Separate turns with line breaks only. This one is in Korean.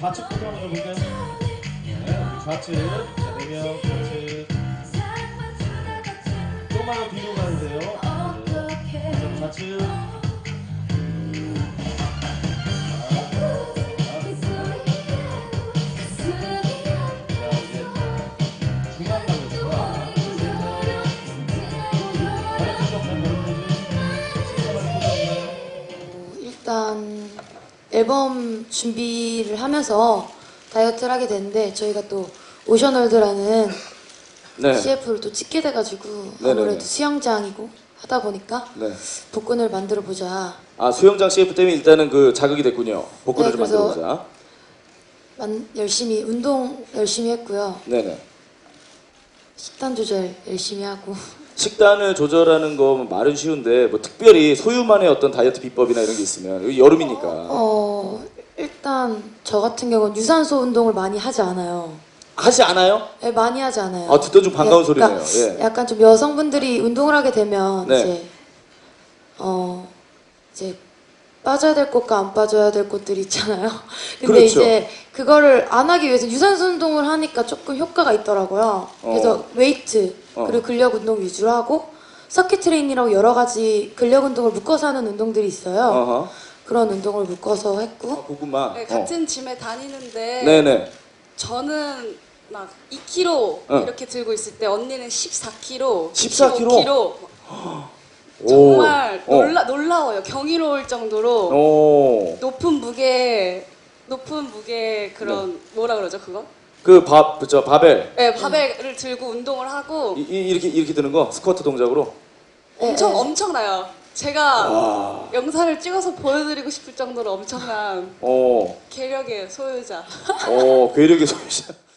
좌측부터 한번 해볼까요? 네, 좌측. 자, 4명 좌측. 조금만 더 뒤로 가도 돼요. 네. 좌측.
일단 앨범 준비를 하면서 다이어트를 하게 됐는데 저희가 또 오션월드라는
네.
CF를 또 찍게 돼가지고
네네네.
아무래도 수영장이고 하다 보니까
네.
복근을 만들어 보자.
아, 수영장 CF 때문에 일단은 그 자극이 됐군요. 복근을
네,
좀
그래서
만들어보자.
열심히 운동 열심히 했고요.
네네.
식단 조절 열심히 하고.
식단을 조절하는 거 말은 쉬운데 뭐 특별히 소유만의 어떤 다이어트 비법이나 이런 게 있으면 여기 여름이니까
일단 저 같은 경우는 유산소 운동을 많이 하지 않아요.
하지 않아요?
네, 많이 하지 않아요.
아, 듣던 중 반가운
그러니까
소리네요. 예.
약간 좀 여성분들이 운동을 하게 되면
네.
이제 빠져야 될 곳과 안 빠져야 될 곳들이 있잖아요. 근데
그렇죠.
이제 그거를 안 하기 위해서 유산소 운동을 하니까 조금 효과가 있더라고요. 그래서 웨이트 그리고 근력 운동 위주로 하고 서킷 트레이닝이라고 여러 가지 근력 운동을 묶어서 하는 운동들이 있어요.
어허.
그런 운동을 묶어서 했고
그것만.
네, 같은 짐에 다니는데
네네.
저는 막 2kg 이렇게 들고 있을 때 언니는 14kg,
14kg?
15kg 정말 놀라워요. 경이로울 정도로
오.
높은 무게 그런 뭐라 그러죠 그거?
그 바벨.
네, 바벨을 들고 운동을 하고
이렇게 드는 거 스쿼트 동작으로.
엄청나요. 제가 영상을 찍어서 보여드리고 싶을 정도로 엄청난
오.
괴력의 소유자.
괴력의 소유자.